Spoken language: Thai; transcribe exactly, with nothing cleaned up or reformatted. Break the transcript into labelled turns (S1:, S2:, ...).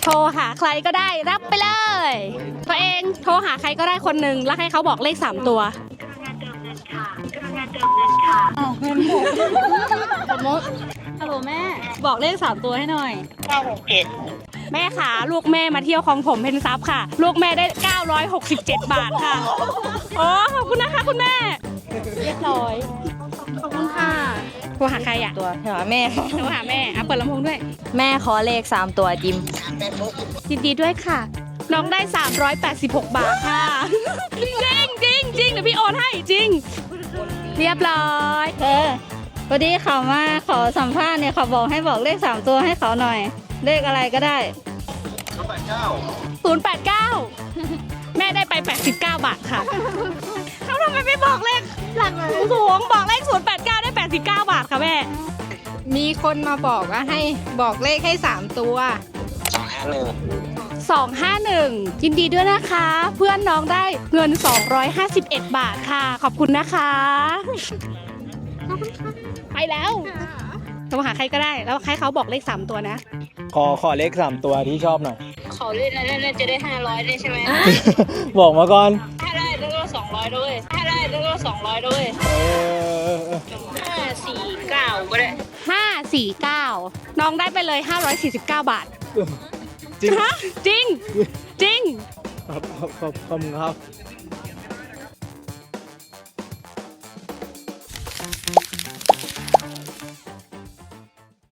S1: โทรหาใครก็ได้รับไปเลยตัวเองโทรหาใครก็ได้คนหนึ่งแล้วให้เขาบอกเลขสามตัวอ้าวเงินหมดสมมติฮัลโหลแม่บอกเลขสามตัวให้หน่อยเก้าหกเจ็ดแม่ขาลูกแม่มาเที่ยวของผมเพนซับค่ะลูกแม่ได้เก้าร้อยหกสิบเจ็ดบาทค่ะโอ้ขอบคุณนะคะคุณแม่เรียบร้อยขอบคุณค่ะโทรหาใครอ่ะตัวโทรหาแม่โทรหาแม่อ่ะเปิดลำโพงด้วย
S2: แม่ขอเลขสามตัวจิม
S1: ยินดีด้วยค่ะน้องได้สามร้อยแปดสิบหกบาทค่ะจริงจริงจริงเดี๋ยวพี่โอนให้จริงเรียบร้อย
S2: เออพอดีเขามาขอสัมภาษณ์เนี่ยเขาบอกให้บอกเลขสามตัวให้เขาหน่อยเลขอะไรก็ได้
S1: ศูนย์แปดเก้าศูนย์แปดเก้าแม่ได้ไปแปดสิบเก้าบาทค่ะเขาทำไมไม่บอกเลขหลักสูงบอกเลขศูนย์แปดเก้าได้แปดสิบเก้าบาทค่ะแม่
S3: มีคนมาบอกว่าให้บอกเลขให้สามตัว
S1: สองห้าหนึ่งสองห้าหนึ่งยินดีด้วยนะคะเพื่อนน้องได้เงินสองร้อยห้าสิบเอ็ดบาทค่ะขอบคุณนะคะไปแล้วโทรหาใครก็ได้แล้วให้เขาบอกเลขสามตัวนะ
S4: ขอขอเลขสามตัวที่ชอบหน่อย
S1: ขอเลขนั้นน่าจะได้ห้าร้อยได้ใช่ไหม
S4: บอกมาก่อน
S1: ถ้าได้แล้วก็สองร้อยด้วยถ้าได้แล้วก็สองร้อยด้วยห้าสี่เก้าก็ได้ห้าสี่เก้าน้องได้ไปเลยห้าร้อยสี่สิบเก้าบาท
S4: จริง
S1: ฮะจริงจริง
S4: ขอบขอบขอบคุณครับ